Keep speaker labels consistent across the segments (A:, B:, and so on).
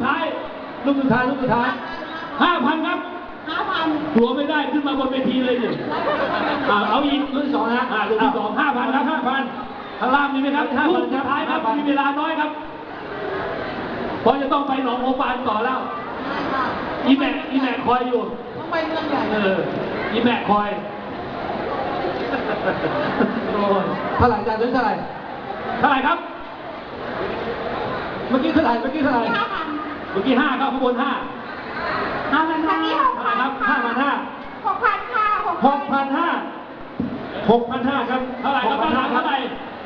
A: ท้าย5,000 ครับ
B: 5,000
A: กลัวไม่ได้ขึ้นมาบนเวทีเลยดิเอาอีกลูกที่ 2นะลูกที่ 2 5,000 ครับ 5,000ข้างล่างมีไหมครับลูกสุดท้ายครับมีเวลาน้อยครับเพราะจะต้องไปหนองโอปานต่อแล้วอีแม่คอยอยู่
B: ต้องไปเมืองใหญ่
A: อีแม่คอยเท่าไหร่จานนี้เท่าไหร่ครับเมื่อกี้เท่าไหร่
B: 5,000
A: เมื่อกี้5ครับข้างบน5
B: 5,000
A: ครับ 5,500
B: 6,000 ค่ะ
A: 6,500 ครับเท่าไหร่ครับเท่าไหร่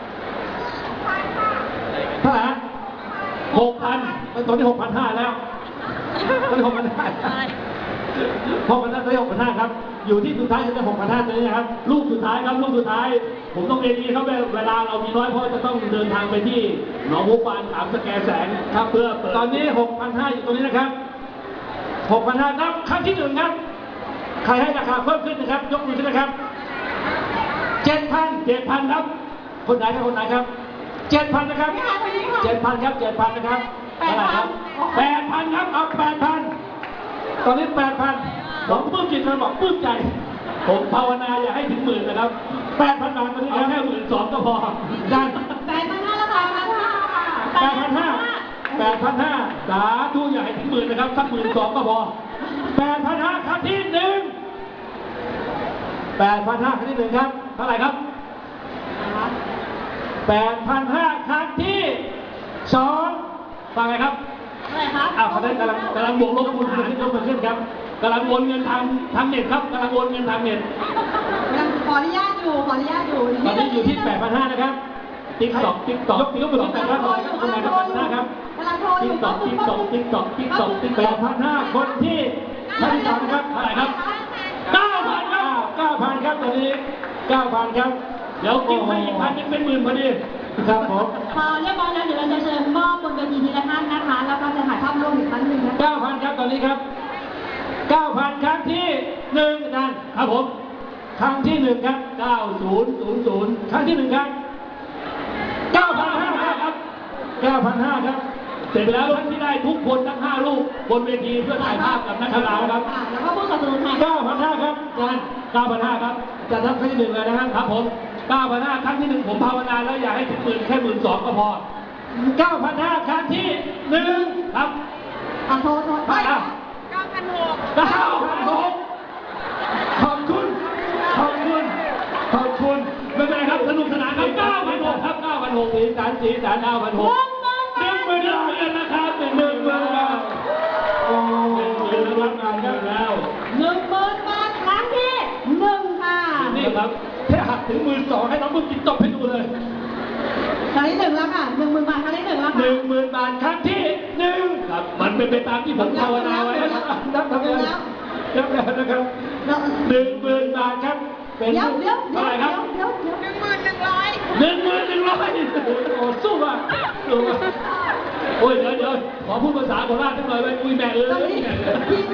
A: ฮะ 6,000ตอนนี้ 6,500 แล้วตอนนี้ 6,500 ตอนนี้ 6,500 ครับอยู่ที่สุดท้ายจะเป็น 6,500 ตัวนี้นะครับลูกสุดท้ายครับลูกสุดท้ายผมต้องเรียนนี้ครับเวลาเรามีน้อยเพราะจะต้องเดินทางไปที่หนองบัวปาน3 สแกแสงครับเพื่อตอนนี้ 6,500 อยู่ตรงนี้นะครับ 6,500 นับครั้งที่ 1 ครับใครให้ราคาเพิ่มขึ้นนะครับยกมือขึ้นนะครับ 7,000 ครับคนไหนครับ 7,000 นะครับ 7,000 ครับ 7,000 นะครับเท่าไหร่ครับ 8,000 ครับเอา 8,000 ตอนนี้ 8,000 ผมปลื้มจิตมันบอกปลื้มใจผมภาวนาอย่าให้ถึงหมื่นนะครับ 8,000 บาทตอนนี้แค่12,000 ก็พอด้าน
B: 8,500 แล้วค่ะ
A: 8,500 สาธุอย่าให้ถึงหมื่นนะครับสัก12,000 ก็พอ 8,500 ครั้งที่ 1 8,500 ครั้งที่ 1 ครับเท่าไหร่ครับ 8,500 ครั้งที่2ฟังไงครับ
B: อะไรครับ
A: เขาได้กำลังบวกลบคูณหารยกมาขึ้นครับกำลังโอนเงินทางเน็ตครับกำลังโอนเงินทางเน็ต
B: ขออนุญาตอยู่
A: ตอนนี้อยู่ที่ 8,500 นะครับติ๊กตอกยกมือขึ้นนะครับคนไหนครับ 8,500 ครับติ๊กตอก 8,500 คนที่ท่านที่2นะครับเท่าไหร่ครับ 9,000 ครับ 9,000 ครับตอนนี้ 9,000 ครับเดี๋ยวกิ๊กให้อีก1,000เป็น10,000พอดีครับผม
B: พอเรียบร้อยแล้วเดี๋ยวเราจะเชิญมอบบนเวทีทีละท่านนะคะ แล้วก็จะถ่ายภาพร่วมอีกครั้งหนึ่งนะคะ
A: 9,000 ครับตอนนี้ครับ 9,000 ครั้งที่1นั่นครับผมครั้งที่1ครับ 9000 ครั้งที่1ครับ 9,500 ครับ 9,500 ครับเสร็จไปแล้วท่านที่ได้ทุกคนทั้ง5ลูกบนเวทีเพื่อถ่ายภาพกับนักกีฬาครับ
B: แล้วก็ผู้สนับสนุนถ่าย
A: 9,500 ครับอาจารย์ 9,500 ครับจะทำครั้งที่1เลยนะครับครับผม 9,500 ครั้งที่1ผมภาวนาแล้วอย่าให้ถึง10,000แค่12,000 ก็พอ 9,500 ครั้งที่1ครับ
B: โทษ
A: ไปอ่ะ 9,600 ขอบคุณไม่เป็นไรครับสนุกสนานครับ 9,600 ครับ 9,600 สีสัน 9,600 10,000นะครับ 10,000 ครับโอ้10,000รับงานกันแล้ว
B: 10,000 บาทครั้งที่1ค่ะ
A: นี่ครับแค่หักถึง12,000ให้น้องมึงกินตบให้ดูเลย
B: ครั้งที่1แล้วค่ะ 10,000 บาทครั้งที่1แล้วค่ะ
A: 10,000 บาทครั้งที่1ครับมันเป็นไปตามที่ผมภาวนาไว้นับทำงานนับแล้วนะครับ 10,000 บาทครับเป็นเท่าไหร่ครับ 11,100 โอ้สู้อ่ะโอ้ยเดี๋ยวขอพูดภาษาโคราชสักหน่อยไว้คุยแม่